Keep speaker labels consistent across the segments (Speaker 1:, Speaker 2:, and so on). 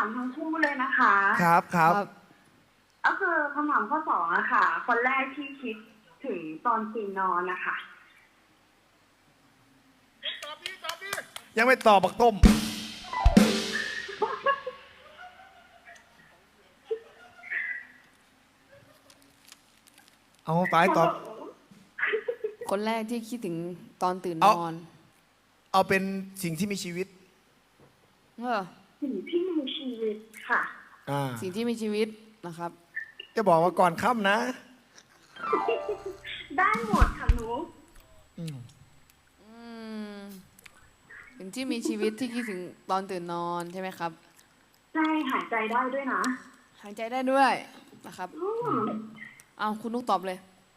Speaker 1: ามทั้งคู่เลยนะคะ
Speaker 2: ครับครับ
Speaker 1: ก็คือคำถามข้อสองอะค่ะ คนแรกที่คิดถึงตอนตื่นนอนนะคะ
Speaker 2: ยังไม่ตอบบักต้ม เอาไปตอบ
Speaker 3: คนแรกที่คิดถึงตอนตื่นน
Speaker 2: เอา
Speaker 3: อน
Speaker 2: เอาเป็นสิ่งที่มีชีวิต
Speaker 3: เออ
Speaker 1: สิ่งที่มีชีวิตค่ะ
Speaker 3: สิ่งที่มีชีวิตนะครับ
Speaker 2: จะบอกว่าก่อนค่ำนะ
Speaker 1: ได้หมดค่ะหนู
Speaker 3: อืมสิ่งที่มีชีวิตที่คิดถึงตอนตื่นนอนใช่ไหมครับ
Speaker 1: ใช่หายใจได้ด้วยนะ
Speaker 3: หายใจได้ด้วยนะครับ
Speaker 1: อืม
Speaker 3: เอาคุณนุกตอบเลย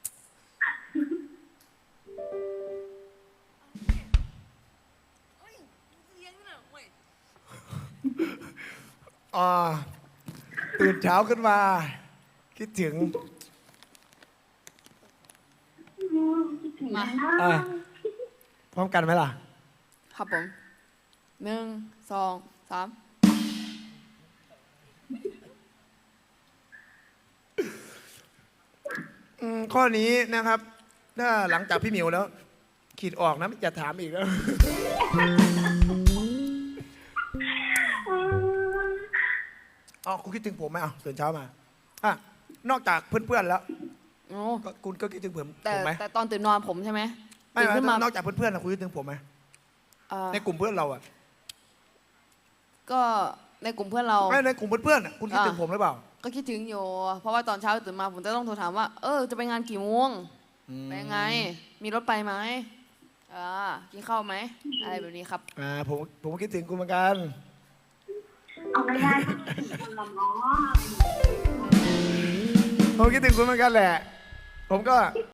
Speaker 2: ตื่นเช้าขึ้นมา คิดถึง
Speaker 1: คิดถึง
Speaker 3: มา
Speaker 1: นะ
Speaker 2: พร้อมกันไหมล่ะ
Speaker 3: ครับผม1 2 3
Speaker 2: ข้อนี้นะครับ ถ้าหลังจากพี่หมิวแล้ว ขีดออกนะไม่จะถามอีกแล้ว อ๋อคุณคิดถึงผมไหมอ่ะตื่นเช้ามาอ่ะนอกจากเพื่อนๆแล้ว
Speaker 3: โอ้
Speaker 2: คุณก็คิดถึงผม
Speaker 3: แต่
Speaker 2: ไหม
Speaker 3: แต่ตอนตื่นนอนผมใช่ไหม
Speaker 2: ไม่
Speaker 3: ตื่นขึ้นมา
Speaker 2: นอกจากเพื่อนๆนะคุณคิดถึงผมไหม ในกลุ่มเพื่อนเราอ่ะ
Speaker 3: ก็ในกลุ่มเพื่อนเรา
Speaker 2: ไม่ในกลุ่มเพื่อนๆอ่ะคุณคิดถึงผมหรือเปล่า
Speaker 3: ก็คิดถึงอยู่ เพราะว่าตอนเช้าตื่นมาผมจะต้องโทรถามว่า จะไปงานกี่โมงไปยังไง มีรถไปไหมกินข้าวไหมอะไรแบบนี้ครับ
Speaker 2: ผมคิดถึงคุณเหมือนกัน
Speaker 1: เอาไม่ได้ก็คิดถึงคนละเนาะ
Speaker 2: ผมคิดถึงคุณเหมือนกันแหละ ผมก็